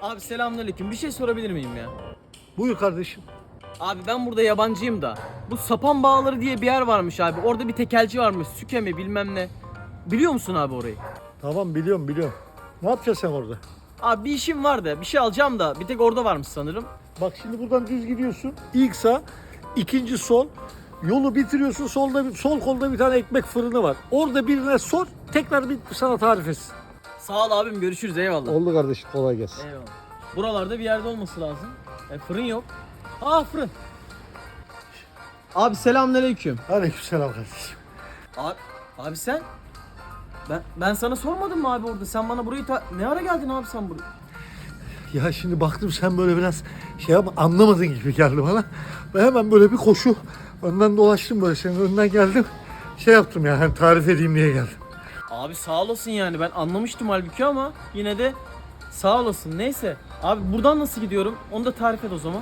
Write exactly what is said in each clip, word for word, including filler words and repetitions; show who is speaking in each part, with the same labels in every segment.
Speaker 1: Abi selamünaleyküm. Bir şey sorabilir miyim ya?
Speaker 2: Buyur kardeşim.
Speaker 1: Abi ben burada yabancıyım da. Bu Sapan Bağları diye bir yer varmış abi. Orada bir tekelci varmış. Süke mi bilmem ne. Biliyor musun abi orayı?
Speaker 2: Tamam biliyorum biliyorum. Ne yapacaksın sen orada?
Speaker 1: Abi bir işim var da bir şey alacağım da bir tek orada varmış sanırım.
Speaker 2: Bak şimdi buradan düz gidiyorsun. İlk sağ, ikinci sol. Yolu bitiriyorsun. Solda bir, sol kolda bir tane ekmek fırını var. Orada birine sor. Tekrar bir sana tarif etsin.
Speaker 1: Sağ ol abim, görüşürüz, eyvallah.
Speaker 2: Oldu kardeşim, kolay gelsin.
Speaker 1: Eyvallah. Buralarda bir yerde olması lazım. E, fırın yok. Aa, fırın. Abi selamünaleyküm.
Speaker 2: Aleykümselam kardeşim.
Speaker 1: Abi, abi sen? Ben ben sana sormadım mı abi orada? Sen bana burayı ta- ne ara geldin abi sen buraya?
Speaker 2: Ya şimdi baktım sen böyle biraz şey yapma, anlamadın gibi geldi bana. Ben hemen böyle bir koşu önden dolaştım, böyle senin önünden geldim. Şey yaptım ya, hani tarif edeyim diye geldim.
Speaker 1: Abi sağ olasın yani, ben anlamıştım halbuki ama yine de sağ olasın. Neyse abi, buradan nasıl gidiyorum onu da tarif et o zaman.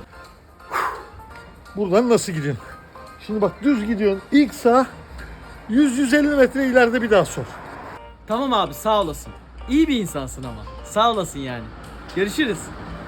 Speaker 2: Buradan nasıl gidiyorsun? Şimdi bak düz gidiyorsun. İlk sağ, yüz yüz elli metre ileride bir daha sor.
Speaker 1: Tamam abi, sağ olasın. İyi bir insansın ama. Sağ olasın yani. Görüşürüz.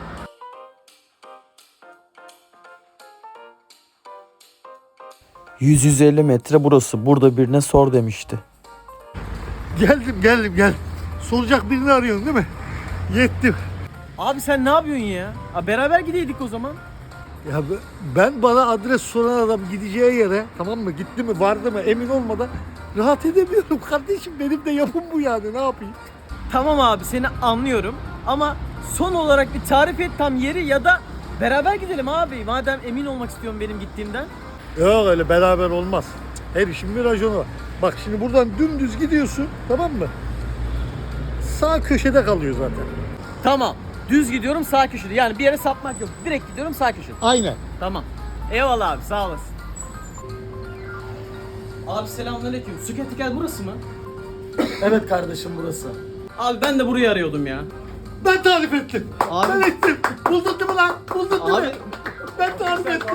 Speaker 3: yüz yüz elli metre burası. Burada birine sor demişti.
Speaker 2: Geldim geldim gel. Soracak birini arıyorsun değil mi? Yettim.
Speaker 1: Abi sen ne yapıyorsun ya? Abi beraber gideydik o zaman.
Speaker 2: Ya be- ben bana adres soran adam gideceği yere, tamam mı, gitti mi vardı mı emin olmadan rahat edemiyorum kardeşim. Benim de yapım bu yani, ne yapayım?
Speaker 1: Tamam abi, seni anlıyorum ama son olarak bir tarif et tam yeri, ya da beraber gidelim abi. Madem emin olmak istiyorum benim gittiğimden.
Speaker 2: Yok öyle beraber olmaz. Her işin bir raconu var. Bak şimdi buradan dümdüz gidiyorsun, tamam mı? Sağ köşede kalıyor zaten.
Speaker 1: Tamam. Düz gidiyorum, sağ köşede. Yani bir yere sapmak yok. Direkt gidiyorum, sağ köşede.
Speaker 2: Aynen.
Speaker 1: Tamam. Eyvallah abi, sağ olasın. Abi selamünaleyküm. Süketikel burası mı?
Speaker 4: Evet kardeşim, burası.
Speaker 1: Abi ben de burayı arıyordum ya.
Speaker 2: Ben tarif ettim.
Speaker 1: Abi-
Speaker 2: Ben ettim. Buldun değil mi lan? Buldun değil
Speaker 1: Abi-
Speaker 2: mi? Ben tarif ettim.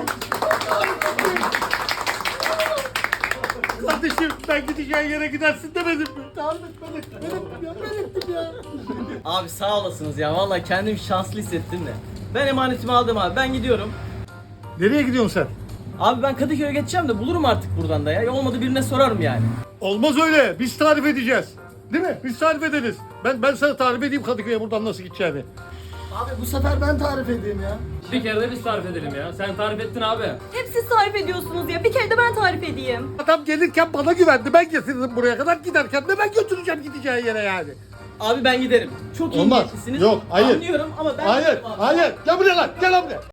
Speaker 2: Kardeşim ben gideceğin yere gidersin demedim mi? Tarif etmedim. Ben ettim ya. Ben ettim ya.
Speaker 1: Abi sağ olasınız ya. Vallahi kendimi şanslı hissettim de. Ben emanetimi aldım abi. Ben gidiyorum.
Speaker 2: Nereye gidiyorsun sen?
Speaker 1: Abi ben Kadıköy'e geçeceğim de bulurum artık buradan da ya. Olmadı birine sorarım yani.
Speaker 2: Olmaz öyle. Biz tarif edeceğiz. Değil mi? Biz tarif ederiz. Ben ben sana tarif edeyim Kadıköy'e buradan nasıl gideceğini.
Speaker 4: Abi bu sefer ben tarif edeyim ya.
Speaker 5: Bir kere de biz tarif edelim ya. Sen tarif ettin abi.
Speaker 6: Hep siz tarif ediyorsunuz ya. Bir kere de ben tarif edeyim.
Speaker 2: Adam gelirken bana güvendi. Ben getirdim buraya kadar. Giderken de ben götüreceğim gideceği yere yani.
Speaker 1: Abi ben giderim. Çok iyi
Speaker 2: Olmaz.
Speaker 1: niyetlisiniz.
Speaker 2: Yok, hayır.
Speaker 1: Anlıyorum ama ben
Speaker 2: Hayır,
Speaker 1: giderim abi.
Speaker 2: hayır. Gel buraya lan. Gel lan buraya.